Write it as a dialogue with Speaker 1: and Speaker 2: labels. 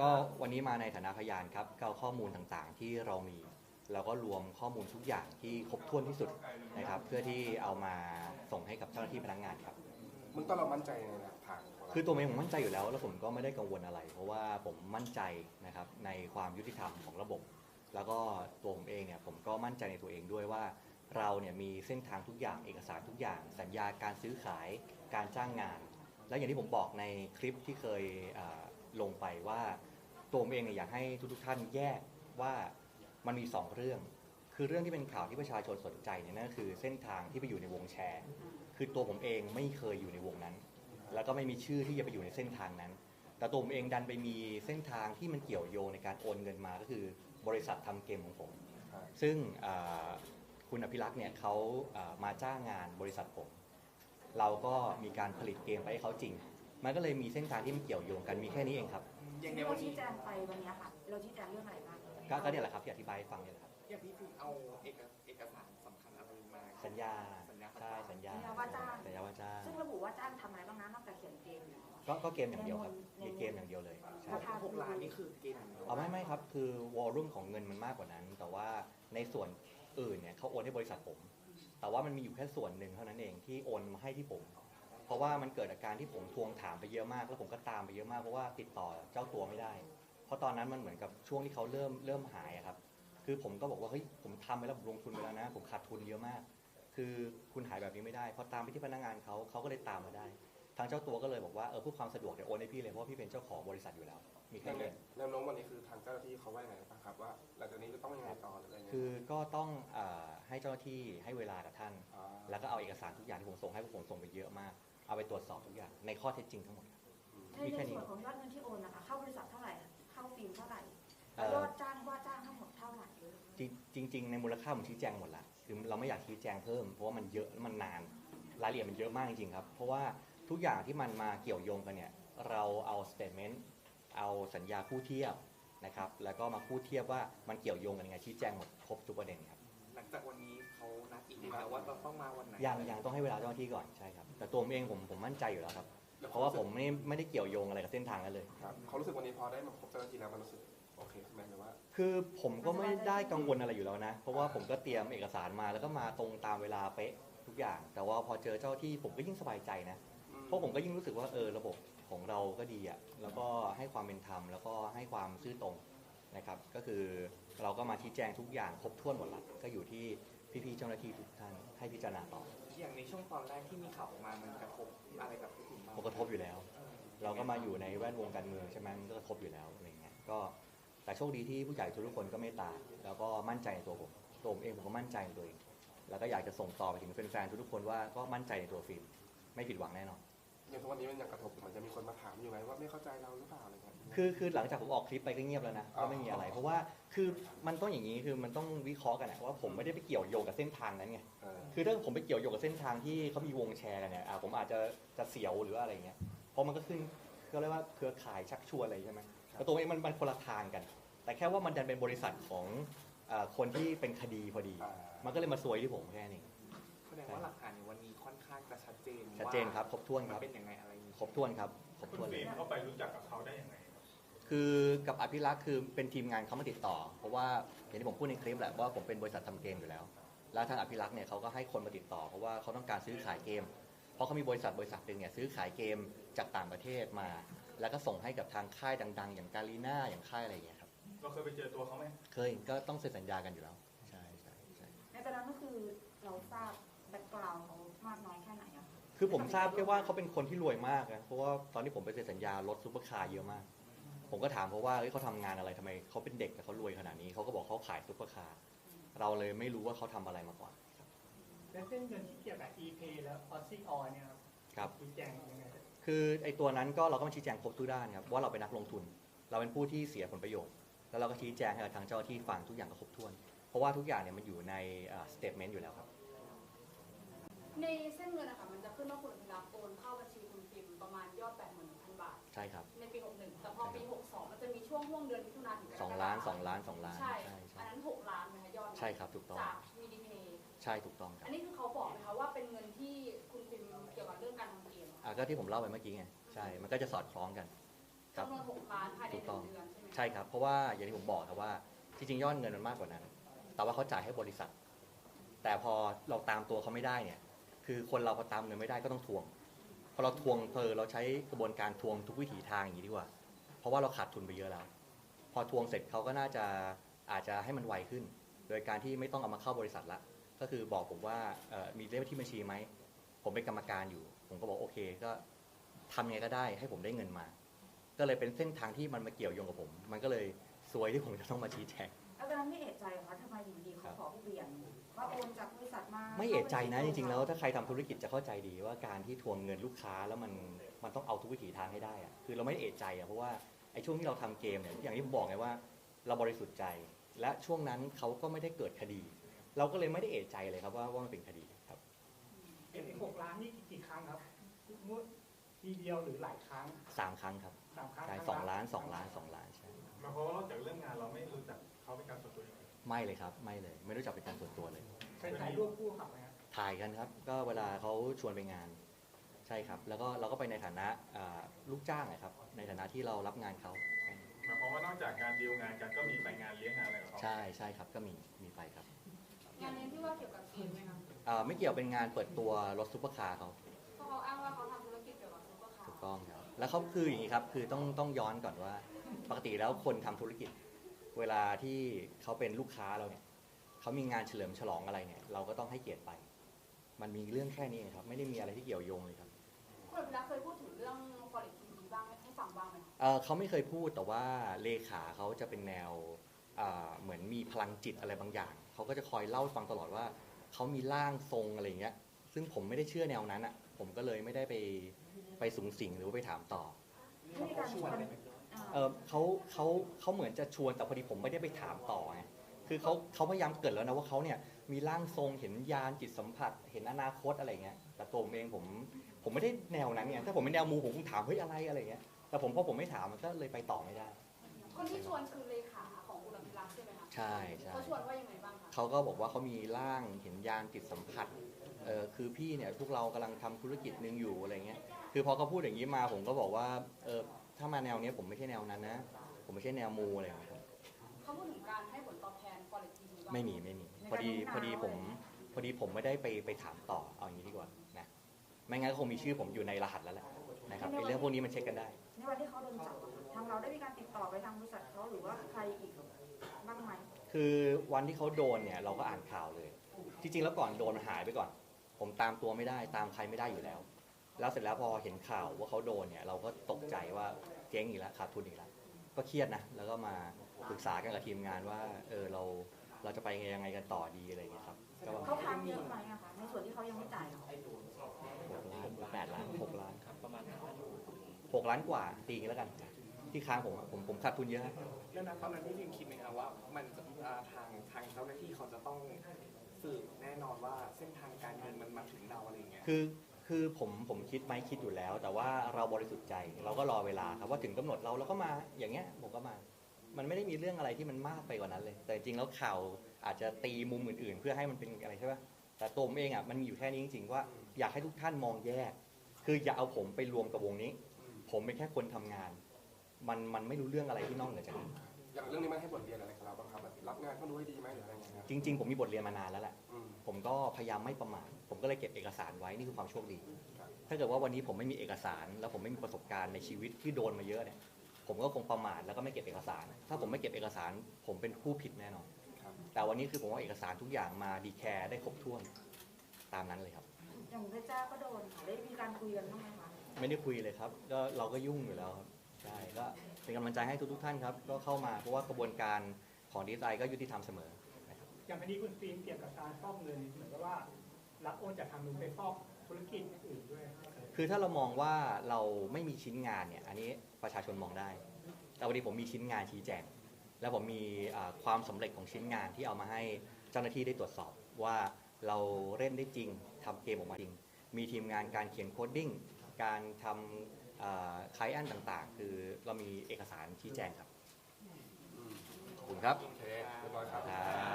Speaker 1: ก็วันนี้มาในฐานะพยานครับก็เอาข้อมูลต่างๆที่เรามีแล้วก็รวมข้อมูลทุกอย่างที่ครบถ้วนที่สุดนะครับเพื่อที่เอามาส่งให้กับเจ้าหน้าที่พนักงานครับ
Speaker 2: มึงต้องเรามั่นใจในหลักฐานของเรา
Speaker 1: คือตัวเองผมมั่นใจอยู่แล้วแล้วผมก็ไม่ได้กังวลอะไรเพราะว่าผมมั่นใจนะครับในความยุติธรรมของระบบแล้วก็ตัวผมเองเนี่ยผมก็มั่นใจในตัวเองด้วยว่าเราเนี่ยมีเส้นทางทุกอย่างเอกสารทุกอย่างสัญญาการซื้อขายการจ้างงานและอย่างที่ผมบอกในคลิปที่เคยลงไปว่าตัวผมเองเนี่ยอยากให้ทุกท่านแยกว่ามันมี2เรื่องคือเรื่องที่เป็นข่าวที่ประชาชนสนใจเนี่ยนั่นก็คือเส้นทางที่ไปอยู่ในวงแชร์คือตัวผมเองไม่เคยอยู่ในวงนั้นแล้วก็ไม่มีชื่อที่จะไปอยู่ในเส้นทางนั้นแต่ตัวผมเองดันไปมีเส้นทางที่มันเกี่ยวโยงในการโอนเงินมาก็คือบริษัททำเกมของผมซึ่งคุณอภิรักษ์เนี่ยเขามาจ้างงานบริษัทผมเราก็มีการผลิตเกมไปให้เขาจริงมันก็เลยมีเส้นทางที่มันเกี่ยวโยงกันมีแค่นี้เองครับ
Speaker 3: อย่างเราชี้แจงไปวันนี้ค่ะเราชี้แจงเรื่องอะไรบ้าง
Speaker 1: ก็เนี่ยแหละครับที่อธิบายให้ฟังเนี่ยแหละครับ
Speaker 4: อย่างพี่ฟิล์มเอาเอกสารสำคัญอะไรมา
Speaker 1: สัญญาใช่สัญญา
Speaker 3: ว่าจ้างซึ่งระบุว่าจ้างทำอะไรบ้างนะนอกจากเขียนเกม
Speaker 1: ก็เกมอย่างเดียวครับมีเกมอย่างเดียวเลย
Speaker 4: ราคา6 ล้านนี่คือเกม
Speaker 1: ไม่ครับคือวอลลุ่มของเงินมันมากกว่านั้นแต่ว่าในส่วนอื่นเนี่ยเขาโอนให้บริษัทผมแต่ว่ามันมีอยู่แค่ส่วนหนึ่งเท่านั้นเองที่โอนมาให้ที่ผมเพราะว่ามันเกิดอาการที่ผมทวงถามไปเยอะมากแล้วผมก็ตามไปเยอะมากเพราะว่าติดต่อเจ้าตัวไม่ได้เพราะตอนนั้นมันเหมือนกับช่วงที่เขาเริ่มหายครับคือผมก็บอกว่าเฮ้ยผมทำไปแล้วผมลงทุนไปแล้วนะผมขาดทุนเยอะมากคือคุณหายแบบนี้ไม่ได้พอตามไปที่พนักงานเขาก็เลยตามมาได้ทางเจ้าตัวก็เลยบอกว่าเพื่อความสะดวกเดี๋ยวโอนให้พี่เลยเพราะพี่เป็นเจ้าของบริษัทอยู่แล้วมีแค่นี้
Speaker 2: แนวโน้มวันนี้คือทางเจ้าหน้าที่เขาว่าไงบ้างครับว่าหลังจากนี้จะต้องยังไงต่อหรืออะไรเงี้ย
Speaker 1: คือก็ต้องให้เจ้าหน้าที่ให้เวลากับท่านแล้วก็เอาเอกสารทุกอย่างที่ผมส่งให้ผมส่งไปเยอะมากเอาไปตรวจสอบทุกอย่างในข้อเท็จจริงทั้งหมด
Speaker 3: ในส่วนของยอดเงินที่โอนนะคะเข้าบริษัทเท่าไหร่เข้าฟิล์มเท่าไหร่ยอดจ้างว่าจ้างทั้งหมดเท่าไหร่
Speaker 1: จริงในมูลค่าผมชี้แจงหมดละคือเราไม่อยากชี้แจงเพิ่มเพราะว่ามันเยอะมันนานรายละเอียดมันเยอะมากจริงๆครับเพราะว่าทุกอย่างที่มันมาเกี่ยวโยงกันเนี่ยเราเอาสเตทเมนต์เอาสัญญาคู่เทียบนะครับแล้วก็มาคู่เทียบว่ามันเกี่ยวโยงกันยังไงชี้แจงหมดครบทุกประเด็นครับ
Speaker 4: หลังจากวันนี้เขานัดอีกแล้วว่าเราต้องมาวันไหน
Speaker 1: ยังต้องให้เวลาเจ้าหน้าที่ก่อนใช่ครับแต่ตัวผมเองผมมั่นใจอยู่แล้วครับเพราะว่าผมไม่ได้เกี่ยวโยงอะไรกับเส้นทางนั้นเลย
Speaker 2: ครับเขารู้สึกวันนี้พอได้มาพบเจ้าหน้าที่แล้วมันรู้สึกโอเคใช่ไหมหรือว่า
Speaker 1: คือผมก็ไม่ได้กังวลอะไรอยู่แล้วนะเพราะว่าผมก็เตรียมเอกสารมาแล้วก็มาตรงตามเวลาเป๊ะทุกอย่างแต่ว่าพอเจอเจ้าที่ผมก็ยิ่งสบายใจนะเพราะผมก็ยิ่งรู้สึกว่าระบบของเราก็ดีอ่ะแล้วก็ให้ความเป็นธรรมแล้วก็ให้ความซื่อตรงนะครับก็คือเราก็มาชี้แจงทุกอย่างครบถ้วนหมดละก็อยู่ที่พี่ๆเจ้าหน้าที่ทุกท่านให้พิจารณาต่อ
Speaker 4: อย่างในช่วงตอนแรกที่มีข่าวออกมามันกระทบอะไรกับพี่ฟิล์มบ้าง
Speaker 1: กระทบอยู่แล้วเราก็มาอยู่ในแวดวงการเมืองใช่ไหมมันก็กระทบอยู่แล้วอะไรเงี้ยก็แต่โชคดีที่ผู้ใหญ่ทุกคนก็เมตตาแล้วก็มั่นใจในตัวผมเองผมก็มั่นใจในตัวเองแล้วก็อยากจะส่งต่อไปถึงแฟนๆทุกคนว่าก็มั่นใจในตัวฟิล์มไม่ผิดหวังแน่นอน
Speaker 2: อย่างทุกวันนี้มันยังกระทบมันจะมีคนมาถามอยู่ไหมว่าไม่เข้าใจเราหรือเปล่าอะไรเงี้ย
Speaker 1: คือหลังจากผมออกคลิปไปก็เงียบแล้วนะก็ไม่มีอะไรเพราะว่าคือมันต้องอย่างนี้คือมันต้องวิเคราะห์กันนะว่าผมไม่ได้ไปเกี่ยวโยงกับเส้นทางนั้นไงคือถ้าผมไปเกี่ยวโยงกับเส้นทางที่เขามีวงแชร์กันเนี่ยผมอาจจะเสียวหรืออะไรเงี้ยเพราะมันก็ขึ้นก็เรียกว่าเครือข่ายชักชวนอะไรใช่ไหมแต่ตัวเองมันคนละทางกัน แต่แค่ว่ามันดันเป็นบริษัทของคนที่เป็นคดีพอดีมันก็เลยมาซวยที่ผมแค่นี้
Speaker 4: แสดงว่าหลักฐานในวันนี้ค่อนข้างจะชัดเจน
Speaker 1: ครับครบถ้วนครับ
Speaker 4: เป็นยังไงอะไร
Speaker 1: ครบถ้วนครับครบถ้วน
Speaker 5: เลยเขาไปรู้จักกับเขาได้ยังไง
Speaker 1: คือกับอภิรักษ์คือเป็นทีมงานเขามาติดต่อเพราะว่าอย่างที่ผมพูดในคลิปแหละว่าผมเป็นบริษัททำเกมอยู่แล้วแล้วทางอภิรักษ์เนี่ยเขาก็ให้คนมาติดต่อเพราะว่าเขาต้องการซื้อขายเกมเพราะเขามีบริษัทหนึ่งเนี่ยซื้อขายเกมจากต่างประเทศมาแล้วก็ส่งให้กับทางค่ายดังๆอย่างกาลีน่าอย่างค่ายอะไรอย่างเงี้ยครับ
Speaker 5: เราเคยไปเจอตัวเขาไหม
Speaker 1: เคยก็ต้องเซ็นสัญญากันอยู่แล้วใช่
Speaker 3: ในตอนนั้นก็คือเราทราบแบ็คกราวด์เขามากน้อยแค่ไหนอะ
Speaker 1: คือผมทราบแค่ว่าเขาเป็นคนที่รวยมากนะเพราะว่าตอนที่ผมไปเซ็นสัญญารถซุปเปอร์คาร์เยอะมากผมก็ถามเพราะว่าเขาทำงานอะไรทำไมเขาเป็นเด็กแต่เขารวยขนาดนี้เขาก็บอกเขาขายซุปเปอร์คาร์เราเลยไม่รู้ว่าเขาทำอะไรมาก่อน
Speaker 6: แล้วเส้นเงินที่เกี่ยวกับ ePay แล้ว Aussie Oil เนี่ย
Speaker 1: ครับ
Speaker 6: ชี้แจงยังไง
Speaker 1: คือไอ้ตัวนั้นก็เราก็มาชี้แจงครบทุกด้านครับว่าเราเป็นนักลงทุนเราเป็นผู้ที่เสียผลประโยชน์แล้วเราก็ชี้แจงให้กับทางเจ้าที่ฟังทุกอย่างก็ครบถ้วนเพราะว่าทุกอย่างเนี่ยมันอยู่ในสเตทเมนต์อยู่แล้วครับ
Speaker 7: ในเส้นเงินนะคะมันจะขึ้นว่าคุณอภิรักษ์โอนเข้าบัญชีคุณฟิล์มประมาณยอด 81,000 บาท
Speaker 1: ใช่ครับ
Speaker 7: ในปี61แต่พอปี62มันจะมีช่วงเดือนมิถุนายนถึง
Speaker 1: 2 ล้าน
Speaker 7: ใช่อันนั้น6 ล้านไหมคะยอด
Speaker 1: ใช่ครับถูกต้อง
Speaker 7: จาก VDPay
Speaker 1: ใช่ถูกต้องครับ
Speaker 7: อันนี้คือเขาบอกไหมคะว่าเป็นเงินที่คุณฟิล์มเกี่ยวกับเรื่องการทำเกม
Speaker 1: ก็ที่ผมเล่าไปเมื่อกี้ไงใช่มันก็จะสอดคล้องกัน
Speaker 7: จำนวน6 ล้านภายใน1 เดือนใช่ไหม
Speaker 1: ใช่ครับเพราะว่าอย่างที่ผมบอกครับว่าจริงๆยอดเงินมันมากกว่านั้น แต่ว่าเขาจ่ายให้บริษัท แต่พอเราตามตัวเขาไม่ได้เนี่ยคือคนเราพอตามเงินไม่ได้ก็ต้องทวงพอเราทวงเราใช้กระบวนการทวงทุกวิถีทางอย่างนี้ดีกว่าเพราะว่าเราขาดทุนไปเยอะแล้วพอทวงเสร็จเขาก็น่าจะอาจจะให้มันไวขึ้น โดยการที่ไม่ต้องเอามาเข้าบริษัทละก็คือบอกผมว่ามีเลขที่บัญชีไหมผมเป็นกรรมการอยู่ผมก็บอกโอเคก็ทำไงก็ได้ให้ผมได้เงินมา ก็เลยเป็นเส้นทางที่มันมาเกี่ยวโยงกับผม มันก็เลยซวยที่ผมจะต้องมาชี้แจง
Speaker 3: แล้วตอนนั้นไม่เอะใจเหรอคะทำไมอยู่ดีเขาขอเปลี่ยนว่าโอนจากบริษัทมา
Speaker 1: ไม่เอะใจนะจริงๆแล้วถ้าใครทำธุรกิจจะเข้าใจดีว่าการที่ทวงเงินลูกค้าแล้วมันต้องเอาทุกวิถีทางให้ได้อะคือเราไม่ได้เอะใจอะเพราะว่าไอ้ช่วงที่เราทำเกมเนี่ยอย่างที่ผมบอกไงว่าเราบริสุทธิ์ใจ และช่วงนั้นเขาก็ไม่ได้เกิดคดี เราก็เลยไม่ได้เอะใจเลยครับว่ามันเป็นคดีครับ
Speaker 6: ไอ้6 ล้านนี่กี่ครั้งครับงวดทีเดียวหรือหลายครั้ง
Speaker 1: 3 ครั้งครับ
Speaker 6: 3 ครั้ง
Speaker 1: ใช่2 ล้าน 2 ล้าน 2 ล้านใช่
Speaker 5: หมายความว่านอกจากเรื่องงานเราไม่รู้จักเขาเป็นการส่วนตัวยังไง
Speaker 1: ไม่เลยครับไม่เลยไม่รู้จักเป็นการส่วนตัวเลย
Speaker 6: เคยถ่ายรูปคู่กับไหมครับ
Speaker 1: ถ่ายกันครับก็เวลาเขาชวนไปงานใช่ครับแล้วก็เราก็ไปในฐานะลูกจ้างนะครับในฐานะที่เรารับงานเขา
Speaker 5: หมายความว่านอกจากการดีลงานกันก็มีไปงานเลี้ยงงานอะไรกับเขา
Speaker 1: ใช่ครับก็มีไปครับ
Speaker 7: งานนี้ที่ว่าเกี่ยวกับเกมไหมคะ
Speaker 1: ไม่เกี่ยวเป็นงานเปิดตัวรถซุปเปอร์คาร์เขา
Speaker 7: เพราะเขาอ้างว่าเขาทำธุรกิจเกี่ยวกับซุปเปอร์คา
Speaker 1: ถูก
Speaker 7: ร์
Speaker 1: ต้องครับแล้วเขาคืออย่างนี้ครับคือต้องย้อนก่อนว่าปกติแล้วคนทำธุรกิจ เวลาที่เขาเป็นลูกค้าเราเนี่ยเขามีงานเฉลิมฉลองอะไรเนี่ยเราก็ต้องให้เกียรติไป มันมีเรื่องแค่นี้เองครับไม่ได้มีอะไรที่เกี่ยวโยงเลยครับ
Speaker 7: คุณอภิรักษ์เคยพูดถึงเรื่อง quality TV บ้างให้ฟังบ้างไหม
Speaker 1: เขาไม่เคยพูดแต่ว่าเลขาเขาจะเป็นแนวเหมือนมีพลังจิตอะไรบางอย่างเขาก็จะคอยเล่าฟังตลอดว่าเขามีร่างทรงอะไรอย่างเงี้ยซึ่งผมไม่ได้เชื่อแนวนั้นอ่ะผมก็เลยไม่ได้ไปสูงสิงหรือว่าไปถามต่อ
Speaker 3: ไม่มีการชวน
Speaker 1: เขาเหมือนจะชวนแต่พอดีผมไม่ได้ไปถามต่อไงคือเขาพยายามเกิดแล้วนะว่าเขาเนี่ยมีร่างทรงเห็นยานจิตสัมผัสเห็นอนาคตอะไรเงี้ยแต่ตัวผมเองผมไม่ได้แนวนั้นไงถ้าผมเป็นแนวมูผมคงถามเฮ้ยอะไรเงี้ยแต่พอผมไม่ถามมันก็เลยไปต่อไม่ได้
Speaker 7: คนที่ชวนคือเลขาของคุณอภิรักษ์ใช่ไหมคะ
Speaker 1: ใช่ใช่
Speaker 7: เขาชวนว่ายังไงบ้างคะ
Speaker 1: เขาก็บอกว่าเขามีร่างเห็นยานจิตสัมผัสคือพี่เนี่ยพวกเรากำลังทำธุรกิจหนึ่งอยู่อะไรเงี้ยคือพอเขาพูดอย่างนี้มาผมก็บอกว่าถ้ามาแนวเนี้ยผมไม่ใช่แนวนั้นนะผมไม่ใช่แนวมูอะไรอย่างเงี้ยครับ
Speaker 7: เขาพูดถึงการให้ผลตอบแทน quality TV บ้าง
Speaker 1: ไม่มีพอดีผมไม่ได้ไปถามต่อเอาอย่างนี้ดีกว่านะไม่งั้นก็คงมีชื่อผมอยู่ในรหัสแล้วแหละนะครับไอ้เรื่องพวกนี้มันเช็คกันได้
Speaker 3: ในวันที่เขาโดนจับอะทางเราได้มีการติดต่อไปทางบริษัทเขาหรือว่าใครอีกบ้างไหม
Speaker 1: คือวันที่เขาโดนเนี่ยเราก็อ่านข่าวเลยจริงๆแล้วก่อนโดนมันหายไปก่อน ผมตามตัวไม่ได้ตามใครไม่ได้อยู่แล้ว แล้วเสร็จแล้วพอเห็นข่าวว่าเขาโดนเนี่ยเราก็ตกใจว่าเจ๊งอีกแล้วขาดทุนอีกแล้วก็เครียดนะแล้วก็มาปรึกษากันกับทีมงานว่าเราจะไปยังไงกันต่อดีอะไรอย่างเงี้ยครับก็ว่า
Speaker 3: เขาค้างเยอะไหมอะคะในส่วนที่เขายังไม่จ่ายเรา
Speaker 1: 6 ล้าน8 ล้าน6 ล้านครับประมาณ6 ล้านกว่าตีกันแล้วกัน ที่ค้างผมขาดทุนเยอะ
Speaker 4: เรื่องนั้นตอนนั้นพี่พิมคิดไหมครับว่ามันจะทางเจ้าหน้าที่เขาจะต้องสืบแน่นอนว่าเส้นทางการเงินมันมาถึงเราอะไรอย่างเงี้ย
Speaker 1: คือผมคิดไหมคิดอยู่แล้ว แต่ว่าเราบริสุทธิ์ใจเราก็รอเวลาครับว่าถึงกำหนดเราก็มาอย่างเงี้ยผมก็มา มันไม่ได้มีเรื่องอะไรที่มันมากไปกว่านั้นเลย แต่จริงๆแล้วข่าวอาจจะตีมุมอื่นๆ เพื่อให้มันเป็นอะไรใช่ปะแต่ตัวผมเองอ่ะมันมีอยู่แค่นี้จริงๆว่าอยากให้ทุกท่านมองแยก คืออย่าเอาผมไปรวมกับวงนี้ ผมเป็นแค่คนทำงาน มันไม่รู้เรื่องอะไรที่นอกเหนือจากนี้
Speaker 2: อย่างเรื่องนี้มันให้บทเรียนอะไรกับเราบ้างครับแบบรับงานก็รู้ให้ดีไหมหรืออะไรอย่างเงี้ยครับ
Speaker 1: จริงๆผมมีบทเรียนมานานแล้วแหละ
Speaker 2: อืม
Speaker 1: ผมก็พยายามไม่ประมาทผมก็เลยเก็บเอกสารไว้นี่คือความโชคดี
Speaker 2: ครับ
Speaker 1: ถ้าเกิดว่าวันนี้ผมไม่มีเอกสาร แล้วผมไม่มีประสบการณ์ในชีวิตที่โดนมาเยอะเนี่ย ผมก็คงประมาทแล้วก็ไม่เก็บเอกสาร ถ้าผมไม่เก็บเอกสาร ผมเป็นผู้ผิดแน่นอน
Speaker 2: ครับ
Speaker 1: แต่วันนี้คือผมว่าเอกสารทุกอย่างมาดีแคร์ได้ครบถ้วนตามนั้นเลยครับ
Speaker 3: อย่างเพชรจ้าก็โดนค่ะได้มีการคุยกันบ้างไหมคะ
Speaker 1: ไม่ได้คุยเลยครับก็เราก็ยุ่งอยู่แล้วครับใช่ก็เป็นกำลังใจให้ทุกท่านครับก็เข้ามาเพราะว่ากระบวนการของดีไซน์ก็ยุติธรรมเสมอนะครับ
Speaker 6: อย่างคดีคุณฟิล์มเกี่ยวกับการฟอกเงินเหมือนกับว่ารับโอนจากทางนู้นไปฟอกธุรกิจอื่นด้วย
Speaker 1: คือถ้าเรามองว่าเราไม่มีชิ้นงานเนี่ยอันนี้ประชาชนมองได้ แต่วันนี้ผมมีชิ้นงานชี้แจง แล้วผมมีความสำเร็จของชิ้นงานที่เอามาให้เจ้าหน้าที่ได้ตรวจสอบว่าเราเล่นได้จริงทำเกมออกมาจริง มีทีมงานการเขียนโคดดิ้งการทำไคลแอนต่างๆ คือเรามีเอกสารชี้แจงครับ
Speaker 2: อืม
Speaker 1: ขอบคุณครับ
Speaker 2: โอเคเรียบร้อยครับ
Speaker 1: ครับ